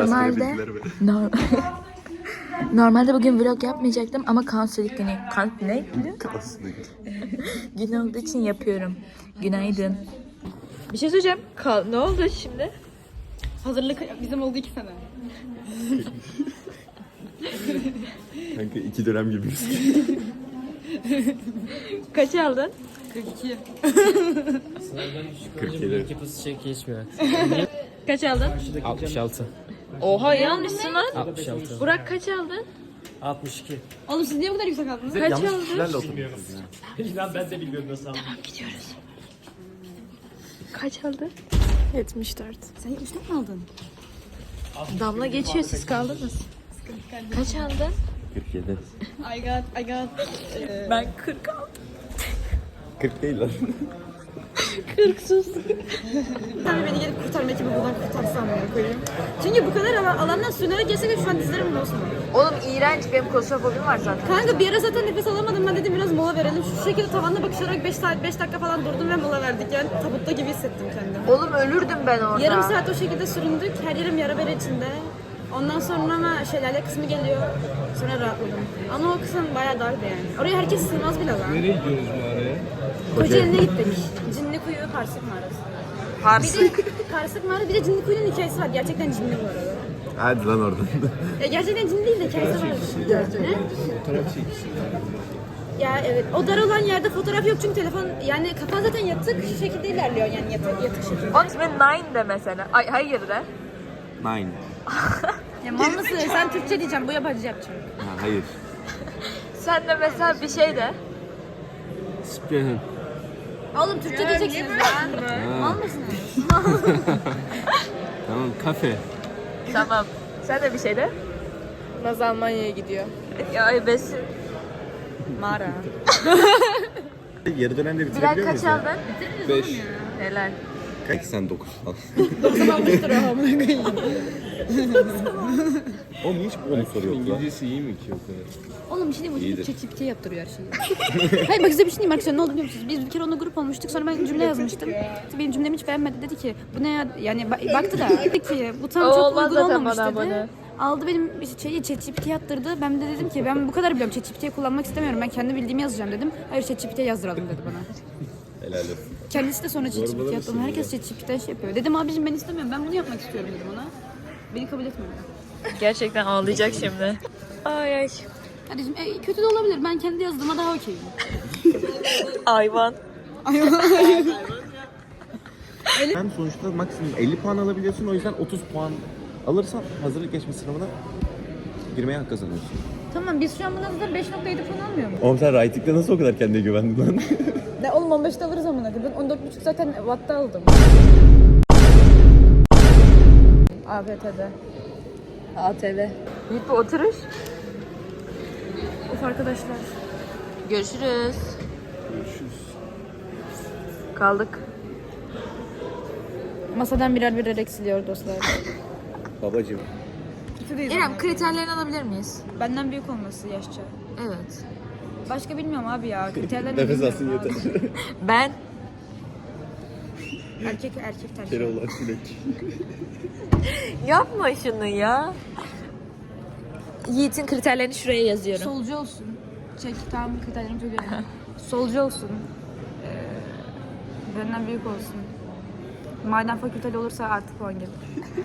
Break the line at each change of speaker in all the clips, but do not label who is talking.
Normalde normalde bugün vlog yapmayacaktım ama kanserlik günü. Ne? Gün olduğu için yapıyorum. Günaydın. Bir şey söyleyeceğim. Ne oldu şimdi?
Hazırlık bizim oldu 2 sene.
Kanka 2 dönem gibiyiz.
Kaç aldın?
42.
47.
Yapısı şey geçmiyor.
Kaç aldın?
66.
Oha iyi almışsın lan.
66.
Burak kaç aldın?
62.
Oğlum siz niye bu kadar yüksek aldınız?
Kaç
Yanlış
aldın?
kişilerle oturuyoruz.
İnan ben de bilmiyorum nasıl aldım.
Gidiyoruz. Kaç aldın? 74.
Sen 74 mi aldın?
Damla geçiyor, siz kaldınız. Kaç aldın?
47.
I got.
Ben 40 aldım.
40 değil lan.
40 sus.
Sen de beni gelip kurtarma ekibi buradan kurtarsan bana koyayım. Çünkü bu kadar alandan sürünerek gelsek de şu an dizlerim bozma.
Oğlum iğrenç, benim klostrofobim var zaten.
Kanka bir ara zaten nefes alamadım, ben dedim biraz mola verelim. Şu şekilde tavanda bakışarak 5 dakika falan durdum ve mola verdik. Yani tabutta gibi hissettim kendimi.
Oğlum ölürdüm ben orada.
Yarım saat o şekilde süründük. Her yerim yara bere içinde. Ondan sonra ama şelale kısmı geliyor. Sonra rahatladım. Ama o kısım bayağı dardı yani. Oraya herkes sığmaz bile lan.
Nereye gidiyoruz bu araya?
Kocaeli'ne gittik. Cinli Kuyu Karsık Mağarası.
Parsık.
Bir de Karsık Mağarası, bir de Cinli Kuyu'nun hikayesi var. Gerçekten cinli bu arada.
Hadi lan oradan.
Ya gerçekten cinli değil de hikayesi var. Ne?
Fotoğraf çekişi.
Ya evet. O dar olan yerde fotoğraf yok çünkü telefon, yani kafan zaten yatık şu şekilde ilerliyor yani yatık şekilde.
Onun ismi Nine de mesela. Ay hayır de.
9.
Ya mal mısın? Sen Türkçe diyeceğim, bu yabancı yapacağım.
Ha, hayır.
Sen de mesela bir şey de.
Spirin.
Oğlum Türkçe diyeceksiniz lan. Mal mısınız?
Tamam, kafe.
Tamam. Sen de bir şey de.
Naz Almanya'ya gidiyor.
Ya besin.
Mağara.
Yarı dönemde
Bilal
bitirebiliyor
kaç
muyuz ya?
aldın?
5.
Helal.
89 falan.
90 almıştır o amına koyayım.
Oğlum hiç onu soruyor lan.
İngilizcesi iyi mi ki o kadar?
Oğlum bir şey diyeyim mi?
İyidir.
ChatGPT yaptırıyor her şeyi. Hayır bak size bir şey diyeyim arkadaşlar, ne oldu biliyor musunuz? Biz bir kere onunla grup olmuştuk, sonra ben cümle yazmıştım. Benim cümlemi hiç beğenmedi, dedi ki bu ne ya, yani baktı da dedi ki bu tam çok
Olmaz
uygun
zaten
olmamış
bana
dedi.
abone.
Aldı benim şeyi ChatGPT yaptırdı. Ben de dedim ki ben bu kadar biliyorum, ChatGPT'yi kullanmak istemiyorum. Ben kendi bildiğimi yazacağım dedim. Hayır ChatGPT'ye yazdıralım dedi bana.
Helal olsun.
Kendisi de sonra ChatGPT yaptı. Herkes ChatGPT'den şey yapıyor. Dedim abicim ben istemiyorum. Ben bunu yapmak istiyorum dedim ona. Beni kabul etmedi.
Gerçekten ağlayacak şimdi. Ay ay.
Kardeşim kötü de olabilir. Ben kendi yazdığıma daha okeyim.
Hayvan.
Sen sonuçta maksimum 50 puan alabiliyorsun. O yüzden 30 puan alırsan hazırlık geçme sınavına girmeye hak kazanıyorsun.
Tamam biz şu an bundan da 5.7 falan almıyor mu?
Oğlum sen writing'de nasıl o kadar kendine güvendin lan?
Ne oğlum 15'te alırız amına koyayım. Ben 14.5 zaten Watt'ta aldım. ABT'de. ATV.
Git bir oturuş.
Of arkadaşlar.
Görüşürüz. Kaldık.
Masadan birer eksiliyor dostlar.
Babacım.
İrem kriterlerini alabilir miyiz?
Benden büyük olması yaşça.
Evet.
Başka bilmiyorum abi ya. Kriterler
Nefes alsın yeter.
Ben
Erkek tercih.
Keloğlan Çilek.
yapma şunu ya. Yiğit'in kriterlerini şuraya yazıyorum.
Solcu olsun. Tamam kriterlerimi söylüyorum. Solcu olsun. Benden büyük olsun. Maden fakülteli olursa artık puan gelir.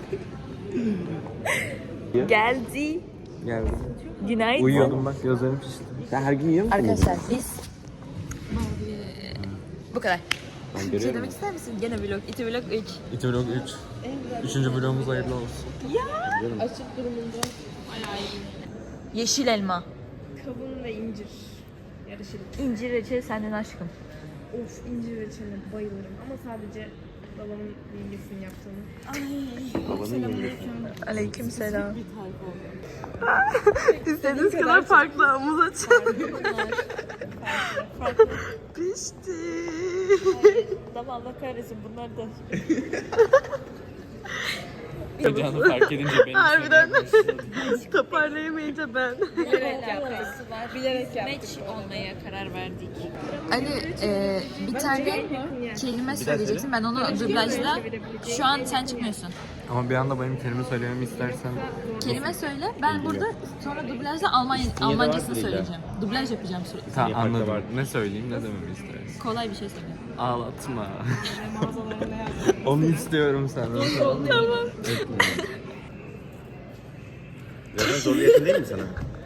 Geldi.
Geldi.
Günaydın.
Uyuyordum bak, gözlerim pişti. Sen her gün yiyor musun?
Arkadaşlar biz bu kadar.
Ben
Bir şey
görüyorum.
demek ister misin? Gene vlog. İti vlog 3.
İti vlog 3. Üçüncü vlogumuz hayırlı olsun.
Yeşil elma.
Kavun ve incir yarışırım.
İncir reçeli senden aşkım.
Of, incir reçeline bayılırım ama sadece babamın yengesinin yaptığını.
Babanın yengesi.
Aleykümselam. İstediğiniz kadar farklı havuz açın. Pişti. Tamam Allah kahretsin bunlar da.
Heyecanı fark edince beni
Harbiden. Toparlayamayınca ben.
Bilerek yaptık. Bilerek yaptık.
Match olmaya karar verdik. Ali bir tane kelime söyleyeceksin. Ben onu dublajla. Şu an sen çıkmıyorsun.
Ama bir anda benim kelime söylememi istersen
Kelime söyle. Ben burada sonra dublajda Almancasını söyleyeceğim. Dublaj yapacağım sürekli.
tamam
farklı
anladım.
var?
Ne söyleyeyim ne dememi istersin?
Kolay bir şey söyle.
Ağlatma. Onu istiyorum senden.
Tamam.
Zaten zorlu yakın değil mi sana?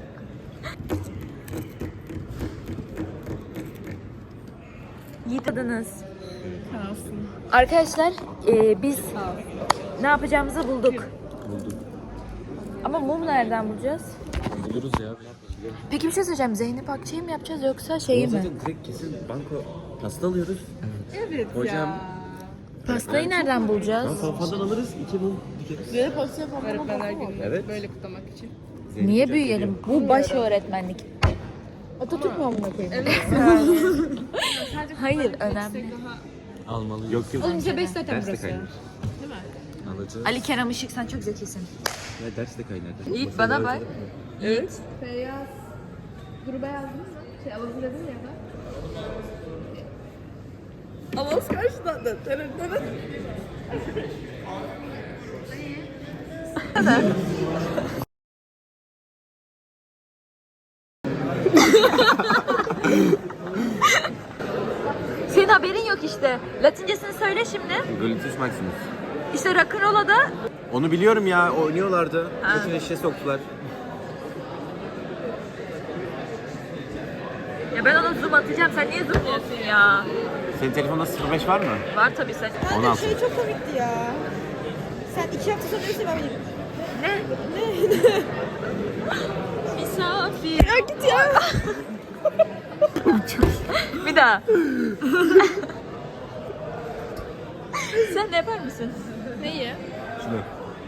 Yıkadınız. Arkadaşlar biz ne yapacağımızı bulduk. Ama mum nereden bulacağız?
Buluruz ya.
Peki bir şey söyleyeceğim. Zeynep Akçay'ı mı yapacağız yoksa şeyi mi?
Zaten direkt kesin banko pasta alıyoruz. Evet hocam,
Pastayı nereden bulacağız?
Fazladan alırız. 2 mum dikeriz.
Öğretmenler günü
Evet.
böyle kutlamak için.
Niye büyüyelim? Bu baş öğretmenlik. Atatürk mü amına koyayım? Evet. Hayır, önemli.
Almalıyız.
Yok yok.
Oğlum bize 5 zaten
Ders de
burası.
kaynar.
Alacağız.
Ali Kerem Işık sen çok zekisin.
Ya ders de kaynar.
Yiğit bana bak. Yiğit.
Feyyaz gruba yazdınız mı? Alalım dedin ya da. Avaz karşıladı.
Senin haberin yok işte. Latincesini söyle şimdi.
Gluteus maximus.
İşte rock'n'roll'a da
Onu biliyorum ya, oynuyorlardı. Bütün işe soktular.
ya ben ona zoom atacağım. Sen niye zoomluyorsun ya?
Senin telefonda 05 var mı?
Var tabii sen.
Onu al.
Şey çok komikti ya. Sen 2 hafta sonra öyle ben bileyim.
Ne? Misafir. Ya git ya. Bir daha. Sen de yapar mısın?
Neyi?
Şunu.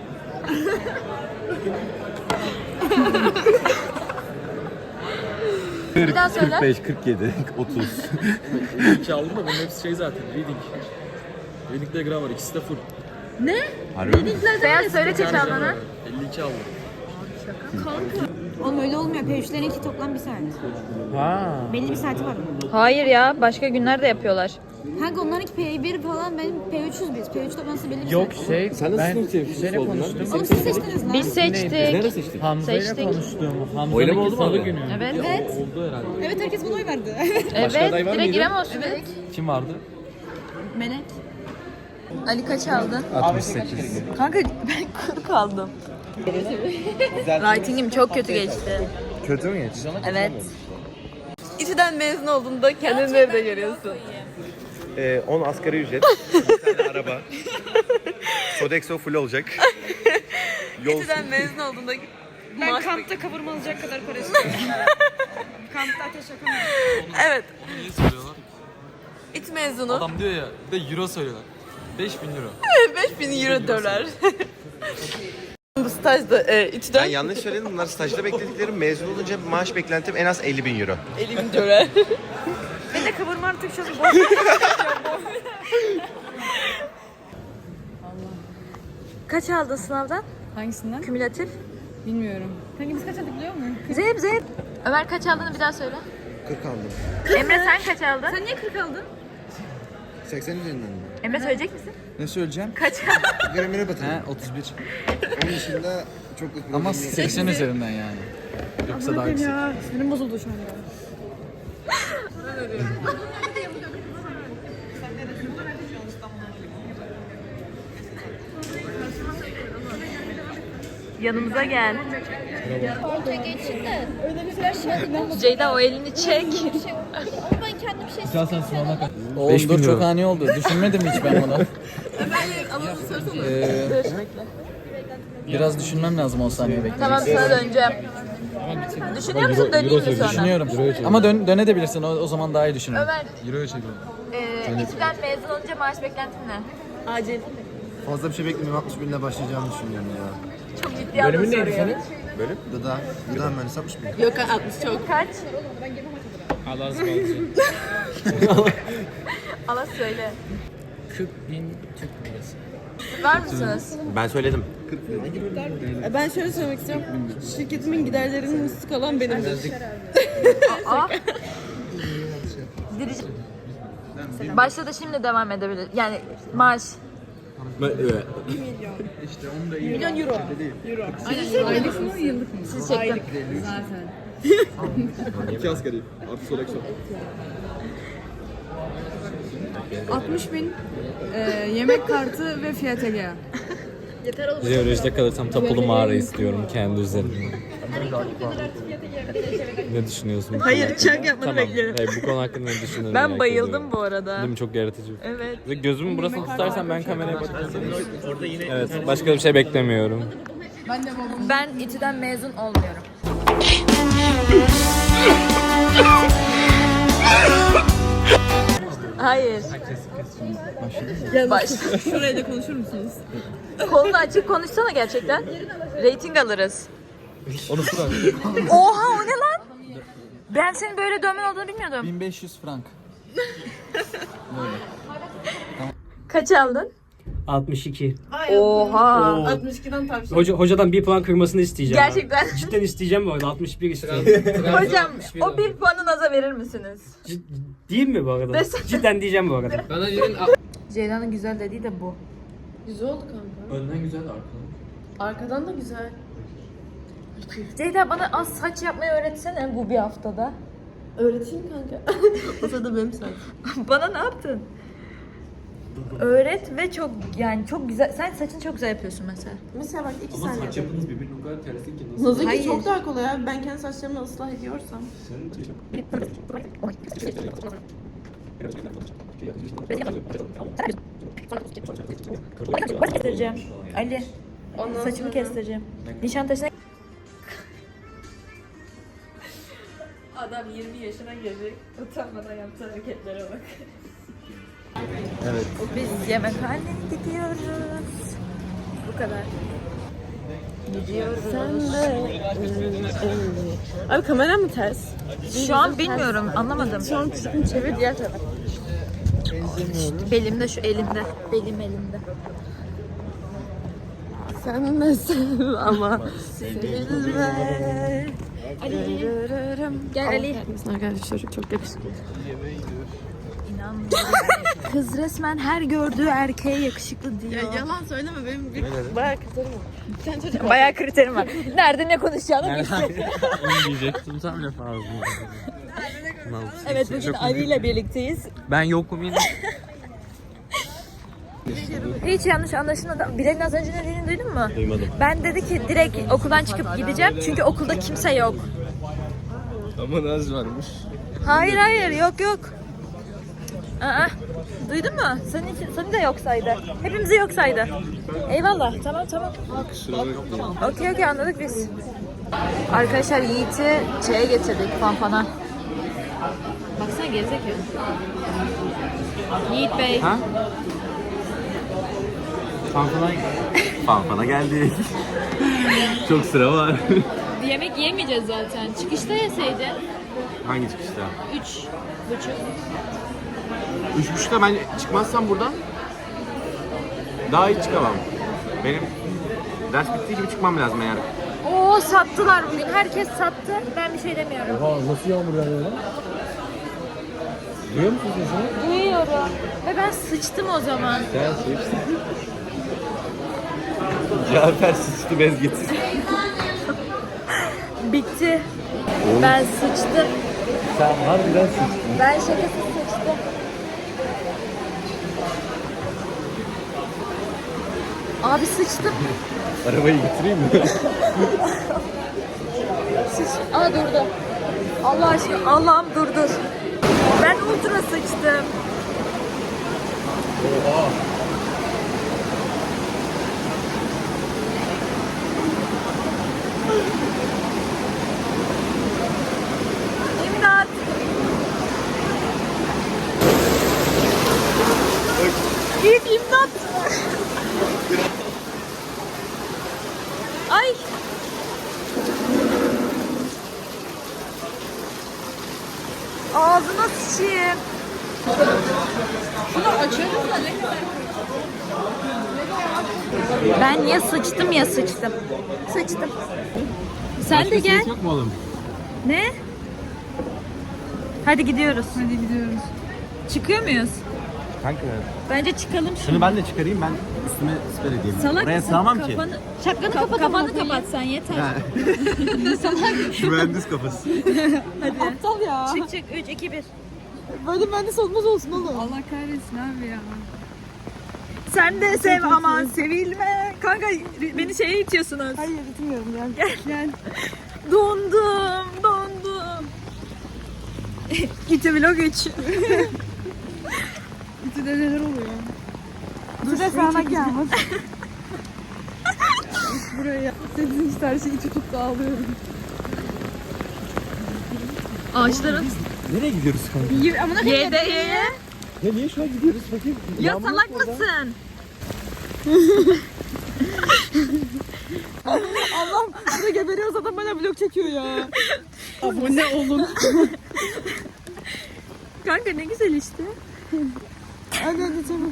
Bir daha söyle.
45, 47, 30.
52 aldım da bunun hepsi şey zaten. Reading. Reading ile grammar ikisi de full.
Harbi mi?
Beyaz söyle çeçalmanı.
52 aldım.
Oğlum öyle olmuyor. P3'lerinki toplam 1 saat.
Ha.
Belli bir saati var.
Hayır ya. Başka günlerde yapıyorlar.
Kanka onlarınki P1 falan benim P3'üz biz. P3 toplantısı belli bir
Yok
saat.
şey
Sen nasıl
ben
sınıf temsilcisi
şeyle
oldun lan?
konuştum.
Oğlum siz seçtiniz lan.
Biz seçtik.
Nerede seçtik?
Hamza ile
Seçtik.
konuştum.
Oylama
Hamza'nınki
oldu mu
salı
abi?
günü.
Evet.
Evet.
Oldu herhalde.
Evet herkes buna oy verdi.
Evet.
aday var
Direkt
mıydı?
İrem olsun dedik.
Kim vardı?
Melek.
Ali kaç aldın?
68.
Kanka ben 40 aldım. Writing'im çok kötü geçti.
Kötü mü geçti?
Evet. İTÜ'den mezun olduğunda kendini nerede görüyorsun?
10 asgari ücret, bir tane araba, Sodexo full olacak. Yol
İTÜ'den mezun olduğunda
Ben kampta kavurma alacak kadar para istiyorum. Kampta ateş yakamıyorum.
Evet.
Niye söylüyorlar?
İTÜ mezunu.
Adam diyor ya, bir de euro söylüyorlar. 5000 euro.
5000 euro dolar. Bu stajda İTÜ'den
Ben yanlış söyledim. Bunlar stajda beklediklerim. Mezun olunca maaş beklentim en az 50.000 euro.
50.000 dolar.
Ben de kavurma artık şu an
Kaç aldın sınavdan?
Hangisinden?
Kümülatif.
Bilmiyorum. Kanka biz kaç aldık biliyor musun?
Zeynep. Ömer kaç aldığını bir daha söyle.
40 aldım.
Emre sen kaç aldın?
Sen niye 40 aldın?
80 üzerinden mi?
Emre söyleyecek misin?
Ne söyleyeceğim?
Kaç aldın?
Gramere batırdım. He 31. Onun dışında çok da
Ama
problem yok.
80 üzerinden yani. Yoksa daha yüksek.
Ya sinirim bozuldu şu an ya.
Yanımıza gel. Ceyda o elini çek.
İstersen sınavına kaç. Oğlum dur çok ani oldu. Düşünmedim hiç ben bunu. Biraz düşünmem lazım 10 saniye bekle.
Tamam sana döneceğim. Düşünüyor musun döneyim mi sonra?
Düşünüyorum. Ama dönebilirsin. O zaman daha iyi düşünürüm.
Ömer,
Euro'ya çekiyorum.
İTÜ'den mezun olunca maaş beklentin ne? Acil.
Fazla bir şey beklemiyorum. 60 binle başlayacağımı düşünüyorum ya.
Çok ciddi aldım soruyu.
Bölüm?
Gıda mühendisi 60 bin.
Yok 60 çok. Kaç?
Allah razı olsun.
Allah söyle.
40.000 Türk lirası.
Var mısınız?
Ben söyledim.
Ben şöyle söylemek istiyorum. Şirketimin giderlerinin üstü kalan benimdir.
Aa. Başladı şimdi devam edebilir. Yani maaş.
Milyon euro.
Siz çektim.
2 asgari. Artı soleksiyon.
60.000 yemek kartı ve Fiat Egea.
Jeolojide kalırsam tapulu mağara istiyorum kendi üzerimde. Ne düşünüyorsun? bu
Hayır,
konu hakkında?
çak yapmanı
Tamam.
bekliyorum.
Hayır, bu konu hakkında ne düşünüyorsun?
Ben bayıldım bu arada.
Değil mi? Çok yaratıcı.
Evet.
Ve gözümün burasını tutarsan ben kameraya bakacağım. Evet, başka bir şey beklemiyorum.
Ben İTÜ'den mezun olmuyorum. Hayır. Baş.
Şuraya da konuşur musunuz?
Kolunu açıp konuşsana gerçekten. Rating alırız.
Onu bırak.
Oha, o ne lan? Ben senin böyle dövmen olduğunu bilmiyordum.
1500 frank.
Kaç aldın?
62.
Oha.
62'den tavsiye.
Hocadan 1 puan kırmasını isteyeceğim.
Gerçekten.
Cidden isteyeceğim bu arada. 61 istiyorum.
Hocam o bir puanı naza verir misiniz?
Değil mi bu arada?
Desene.
Cidden diyeceğim bu arada.
Ceyda'nın güzel dediği de bu.
Güzel oldu kanka.
Önden güzel, arkadan.
Arkadan da güzel.
Ceyda bana az saç yapmayı öğretsene bu bir haftada.
Öğreteyim kanka. O sırada benim saçım.
Bana ne yaptın? Öğret ve çok güzel. Sen saçını çok güzel yapıyorsun mesela.
Mesela bak 2
Ama
saniye.
saç yapınız birbirine o kadar tersi ki nasıl?
Nazınki
Hayır.
çok daha kolay abi. Ben kendi saçlarımı ıslah ediyorsam.
Kestireceğim. Ali. Saçımı kestireceğim. Nişantaşı'na... Adam 20 yaşına gelecek. Utanmadan yaptığı hareketlere bak.
Evet.
Biz yemekhaneye gidiyoruz. Bu kadar. Gidiyoruz.
Abi kamera mı ters?
Şu an bilmiyorum, anlamadım.
Şu an çevir diğer tarafa.
Belimde, şu elimde. Belim elimde.
Sen de sev ama.
Sevilme. Ali. Gel Ali.
Arkadaşlar çok yakışıklı.
İnanmıyorum. Kız resmen her gördüğü erkeğe yakışıklı diyor.
Yalan söyleme benim bir bayağı kriterim var. Bir tane çocuk var.
Bayağı kriterim var. Nerede ne konuşacağını bilsin.
Onu diyecektim tam laf ağzına.
Evet, bugün Ali ile birlikteyiz.
Ben yokum yine.
Hiç yanlış anlaşılmadı. Bilal'in az önce ne dediğini duydun mu?
Duymadım.
Ben dedi ki direkt okuldan çıkıp gideceğim çünkü okulda kimse yok.
Ama Naz varmış.
Hayır yok. Aa, duydun mu? Seni de yok saydı. Hepimizi yok saydı. Eyvallah. Tamam.
Kusura bakma.
Okey anladık biz. Arkadaşlar Yiğit'i şeye getirdik, Fanfan'a. Baksana gerizekalı. Yiğit Bey.
Ha?
Fanfana geldik. Çok sıra var.
Yemek yemeyeceğiz zaten. Çıkışta yeseydin.
Hangi çıkışta?
3,5.
3.30'da ben çıkmazsam buradan daha hiç çıkamam. Benim ders bittiği gibi çıkmam lazım eğer.
Oo, sattılar bugün. Herkes sattı. Ben bir şey demiyorum.
Nasıl yağmur yağıyor lan? Duyuyor musun sesini?
Duyuyorum. Ve ben sıçtım o zaman.
Sen sıçtın. Cafer sıçtı bez getir.
Bitti. Ben sıçtım.
Sen harbiden sıçtın.
Ben şakasız sıçtım. Abi sıçtım.
Arabayı getireyim mi?
Aa durdu. Allah aşkına, Allah'ım durdur. Ben ultra sıçtım.
Oha.
İmdat. Yiğit imdat. Ay. Ağzına sıçayım.
Şunu açarız da ne kadar?
Ben ya sıçtım ya sıçtım. Sıçtım. Sen de gel.
Yok mu oğlum?
Ne? Hadi gidiyoruz. Hadi gidiyoruz. Çıkıyor muyuz?
Kanka
Bence çıkalım
şunu ben de çıkarayım, ben üstüme siper edeyim. Oraya sığamam ki.
Şapkanı kapat.
Kafanı kapatsan yeter.
Mühendis kafası.
Aptal ya.
Çık çık 3 2 1.
Böyle mühendis olmaz olsun oğlum. Allah kahretsin abi ya.
Sen de sev aman sevilme. Kanka beni şeye itiyorsunuz.
Hayır gitmiyorum gel.
Gel. Dondum. İti vlog 3.
İçinde neler oluyor? Dur sana gelmez. Buraya. Senin işte her şeyi içi tuttu ağlıyorum.
Ağaçların
Nereye gidiyoruz kanka?
Y'de
Ya niye şu an gidiyoruz bakayım?
Ya salak mısın?
Allah'ım burada geberiyoruz adam bana vlog çekiyor ya. Abone olun.
Kanka ne güzel işte.
Hadi çabuk.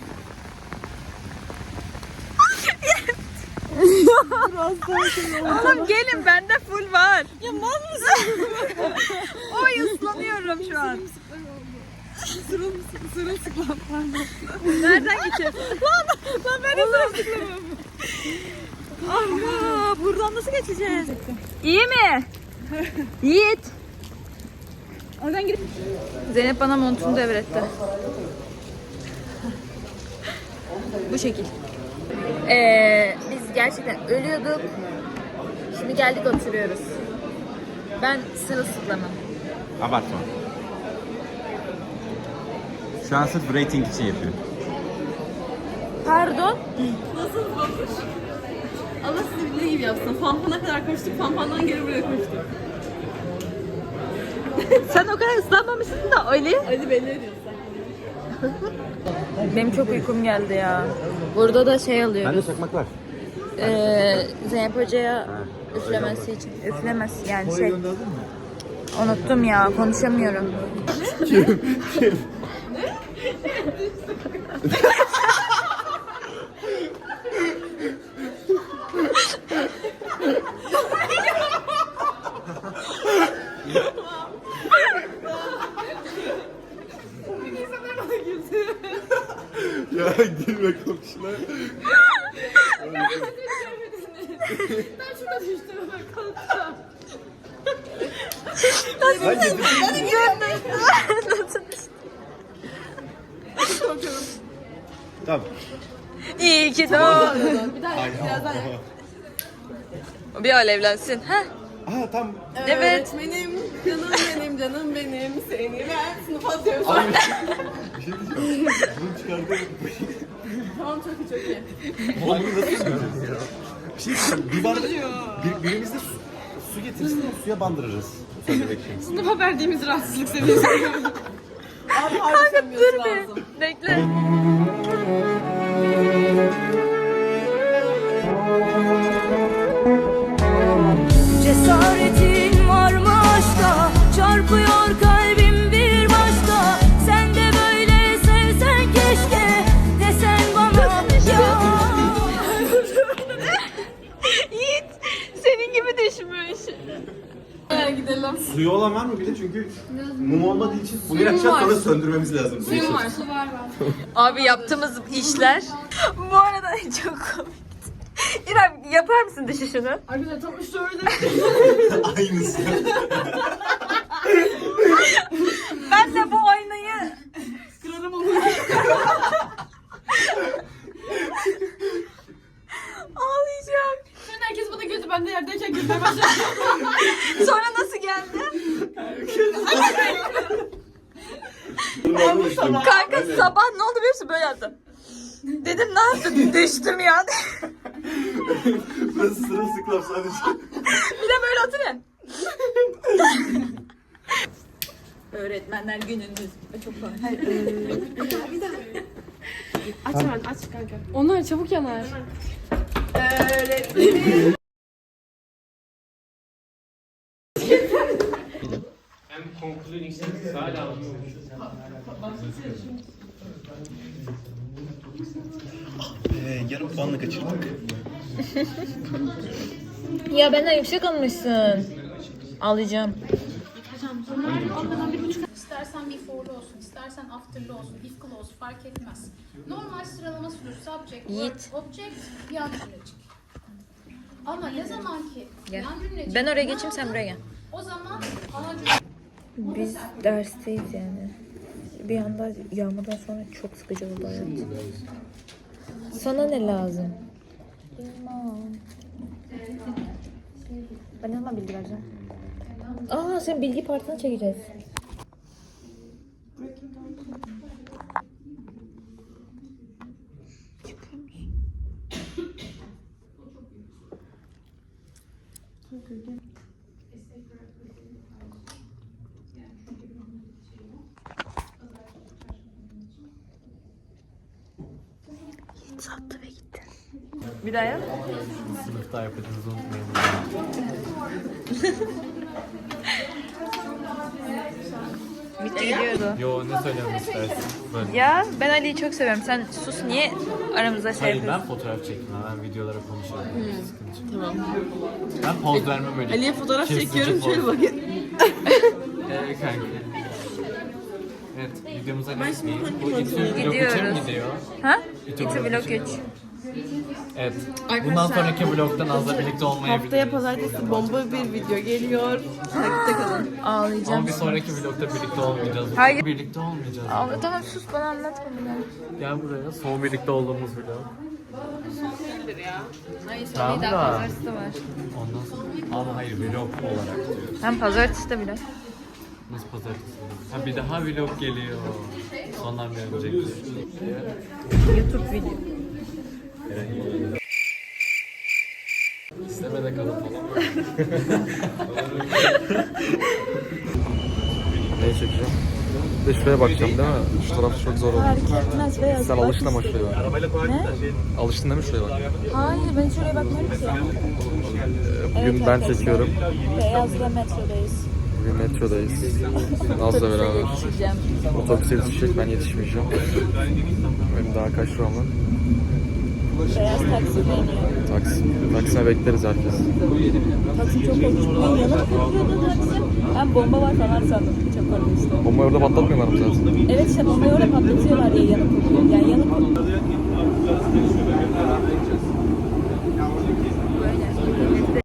Oğlum gelin bende full var. Ya mal mısın? Oy ıslanıyorum şu an.
Sırılsıklam pardon.
Nereden geçeceğiz? lan ben de sırılsıklamım. Allah buradan nasıl geçeceğiz? İyi mi? Yiğit.
Oradan gidip.
Zeynep bana montunu devretti. Bu şekil. Biz gerçekten ölüyorduk. Şimdi geldik oturuyoruz. Ben sırılsıklamım.
Abartma. Şu an sırf rating için yapıyorum.
Pardon.
Allah sizi bildiği gibi yapsın. Fanfana kadar koştuk. Fanfandan geri buraya koştuk.
Sen o kadar ıslanmamışsın da Ali.
Ali belli ediyorsun.
Benim çok uykum geldi ya. Burada da şey alıyoruz.
Bende çakmak var.
Zeynep Hoca'ya üflemesi için. Üflemez yani şey. Unuttum ya konuşamıyorum.
Ya gülme komşuna.
Ben şurada düştüm. Kalktım.
Tamam.
İyi ki doğdun.
Bir daha birazdan.
Bir alevlensin. Ha?
Aha tam.
Evet.
Öğretmenim, canım benim, seni ben sınıfa atıyorum.
Bir şey diyeceğim. Bunu çıkardım.
Tamam çok iyi çok iyi.
Oğlum bunu nasıl yapacağız ya? Bir şey diyeceğim. Bir bardak birimiz de su getirsin de suya bandırırız. Sen de bekleyin.
Sınıfa verdiğimiz rahatsızlık seviyesi. Abi harbi
Dur
lazım.
bir. Bekle.
Cesaretin var mı aşka? Çarpıyor kalbim bir başka. Sen de böyle sevsen keşke. Desen bana ya.
Yiğit senin gibi düşmüş.
Gidelim.
Suyu olan var mı bir de çünkü mum olmadığı için bunu yakacağız sonra söndürmemiz lazım.
Suyum var, su var.
Abi yaptığımız işler. Bu arada çok komik. İrem yapar mısın düşüşünü?
Arkadaşlar tam şöyle.
Aynısı.
Ben de bu aynayı
Kırarım onu.
ağlayacağım.
Sonra herkes bana güldü. Ben de yerdeyken gülmeye başladım.
Sonra nasıl geldi? Kanka sabah ne oldu biliyor musun? Böyle yaptım. Dedim ne yaptın? Düştüm ya.
Burası sırılsıklam sadece.
Bir de böyle oturuyor. Öğretmenler gününüz. Çok komik.
Aç hemen aç kanka. Onlar çabuk yanar. Öğretmenim.
Yarım puanla kaçırdık.
Ya benden yüksek almışsın. Alacağım.
İstersen before'lu olsun, istersen after'lı olsun, if'lı olsun fark etmez. Normal sıralama sürüyor. Subject,
Yiğit.
verb, object, yan cümlecik. Ama ne zaman ki
Gel.
yan cümlecik...
Ben oraya geçeyim, sen buraya gel.
O zaman ana cümle...
Biz dersteyiz yani. Bir anda yağmadan sonra çok sıkıcı oldu hayat. Sana ne lazım? Bilmem. Ben ne zaman bilgi vereceğim? Aa, sen bilgi partını çekeceğiz. Sattı ve gitti. Bir daha yap.
Sınıfta yapacağınızı unutmayın.
Bitti gidiyordu.
Yo, ne söylemek istersin? Böyle.
Ya ben Ali'yi çok seviyorum. Sen sus, niye aramızda şey
Hayır, ben
yapıyorsun?
fotoğraf çekmem. Ben videolara konuşuyorum. Tamam. Ben poz vermem öyle. Ali'ye fotoğraf çekiyorum. Şöyle bakın. Kanka. Evet, videomuza geçmeyin. Bu İTÜ Vlog 3'e mi
Gidiyoruz.
gidiyor?
Ha?
İTÜ
İTÜ
Vlog
Vlog 3.
Evet. Bundan sonraki vlogda Naz'la birlikte olmayabiliriz.
Haftaya pazartesi bomba bir video geliyor. Takipte kalın.
Ağlayacağım.
Ama bir sonraki vlogda birlikte olmayacağız.
Hayır.
Birlikte olmayacağız.
Tamam sus, bana anlatma bunu.
Gel buraya. Son birlikte olduğumuz vlog.
Hayır,
Tamam
daha
da.
pazartesi de var.
Ondan sonra. Ama hayır, vlog olarak diyoruz.
Hem pazartesi de bile.
Nasıl pazartesi? Ha, bir daha vlog geliyor. Sondan bir önceki.
YouTube video.
İstemede kalın falan.
Neyi çekeceğim? Bir de şuraya bakacağım değil mi? Şu taraf çok zor oldu.
Fark etmez beyaz.
Sen alıştın ama şuraya bak.
Ne?
Alıştın değil mi şuraya bak?
Hayır, ben şuraya bakmıyorum ki.
Bugün ben çekiyorum.
Beyaz'la metrodayız.
Bugün metrodayız. Naz'la beraber.
Yetişeceğim.
Otobüse yetişecek, ben yetişmeyeceğim. Benim daha kaç şu an var?
Beyaz taksi biniyor.
Taksime bekleriz herkes.
Taksi çok olmuş. Ben yanıp kokuyordu taksi. Ben bomba var falan sandım. Çok korkunçtu.
Bombayı orada patlatmıyorlar mı zaten?
Evet, işte bombayı orada patlatıyorlar diye yanıp kokuyor. Yani yanıp kokuyor.